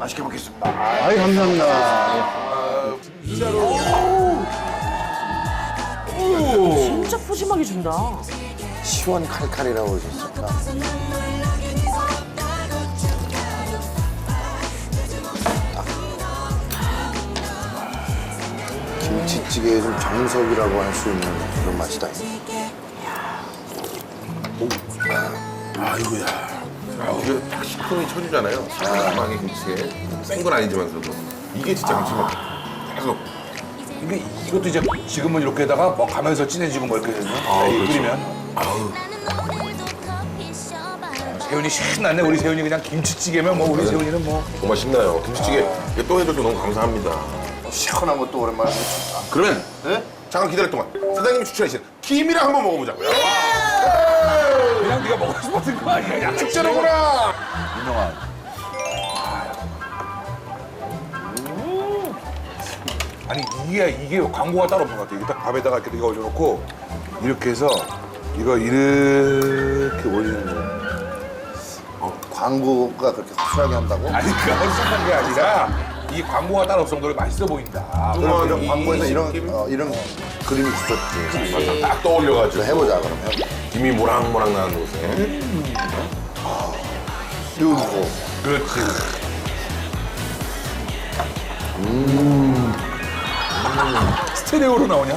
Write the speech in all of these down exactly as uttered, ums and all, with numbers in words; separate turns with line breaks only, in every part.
맛있게 먹겠습니다.
아이, 감사합니다.
아, 진짜로.
진짜 푸짐하게 준다.
시원 칼칼이라고 그러셨을까? 김치찌개의 좀 정석이라고 할 수 있는 그런 맛이다.
아이고야. 아, 이게 딱 식품이 쳐주잖아요. 시원하게 김치에. 센 건 아니지만서도. 이게 진짜 감칠맛. 계속.
이게 이것도 이제 지금은 이렇게다가 뭐 가면서 진해지고 뭐 이렇게 되면
아,
이
그렇죠.
끓이면
아우.
세훈이 신났네. 우리 세훈이 그냥 김치찌개면 뭐 우리 세훈이는 뭐
정말 신나요. 김치찌개 이게 또 해줘서 너무 감사합니다.
시원한 것도 오랜만에 먹습니다.
그러면
네?
잠깐 기다릴 동안 사장님이 추천하신 김이랑 한번 먹어보자고요.
그냥 네가 먹고 싶었던 거 아니야? 야,
축제로구나.
유명한. 음. 아니 이게 이게 광고가 따로 없는 것 같아. 이게 딱 밥에다가 이렇게 이거 올려놓고 이렇게 해서 이거 이렇게 올리는 거.
광고가 그렇게 확실하게 한다고?
아니 그가 헛소리한 게 아니라 이 광고가 따로 없을 정도로 맛있어 보인다.
그럼 저
이-
광고에서
이-
이런,
이-
어, 이런 그림이 있었지.
맞아. 딱 떠올려가지고.
해보자, 그러면.
김이 모락모락 나는 곳에.
띄우고.
그렇지. 스테레오로 나오냐?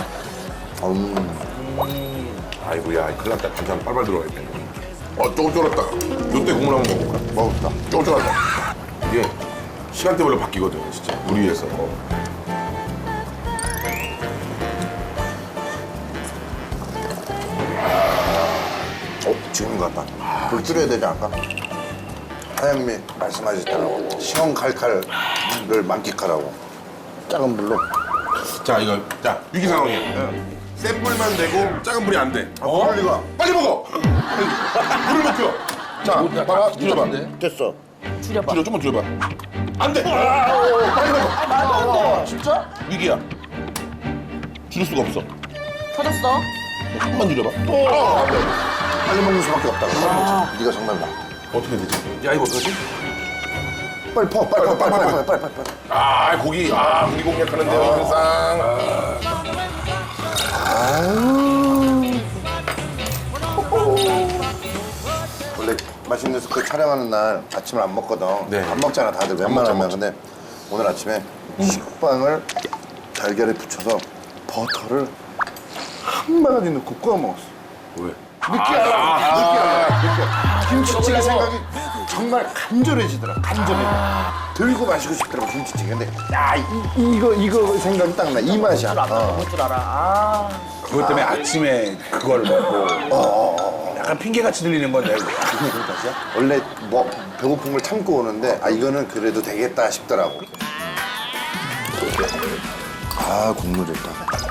음,
아이고야, 큰일 났다. 반찬 빨빨 들어가겠네. 어, 조금 쫄았다. 요때 국물 한번 먹어볼까?
먹었다.
조금 쫄았다. 이게 시간대별로 바뀌거든요, 진짜. 우리 위해서.
어, 지금 같다. 불 줄여야 되지 않을까? 사장님이 말씀하셨잖아요. 시원 칼칼을 만끽하라고. 작은 불로.
자, 이거. 자, 위기 상황이야. 센 불만 되고 작은 불이 안 돼.
어? 그럴 리가.
빨리 먹어! 불을 높여! 자, 봐봐. 줄여봐.
됐어.
줄여봐.
줄여, 좀만 줄여봐. 안 돼! 빨리 먹어!
진짜?
위기야. 줄일 수가 없어.
터졌어?
조금만 줄여봐.
빨리 먹는 수밖에 없다.
아.
네가 정말 나.
어떻게 되지?
야 이거 어떡하지?
빨리 퍼, 빨리 퍼, 빨리 빨리 빨리 빨리 빨리.
아, 고기. 아, 고기 공략하는데요, 항상.
원래 맛있는 스프 촬영하는 날 아침을 안 먹거든.
네.
안 먹잖아, 다들 웬만하면.
먹죠,
근데 오늘 아침에 식빵을 달걀에 붙여서 버터를 한 바가지 넣고 구워 먹었어.
왜?
느끼하다. 느끼하다. 느끼하다. 김치찌개 생각이 정말 간절해지더라. 간절해. 들고 마시고 싶더라고, 김치찌개. 근데 야, 이, 이거 이거 생각이 딱 나. 이 맛이야.
줄 알아.
어.
먹을 줄 알아. 아.
그것 때문에 아침에 그걸 먹고 약간 핑계같이 들리는 건데 이거.
원래 뭐 배고픈 걸 참고 오는데 아 이거는 그래도 되겠다 싶더라고. 아 국물 좋다.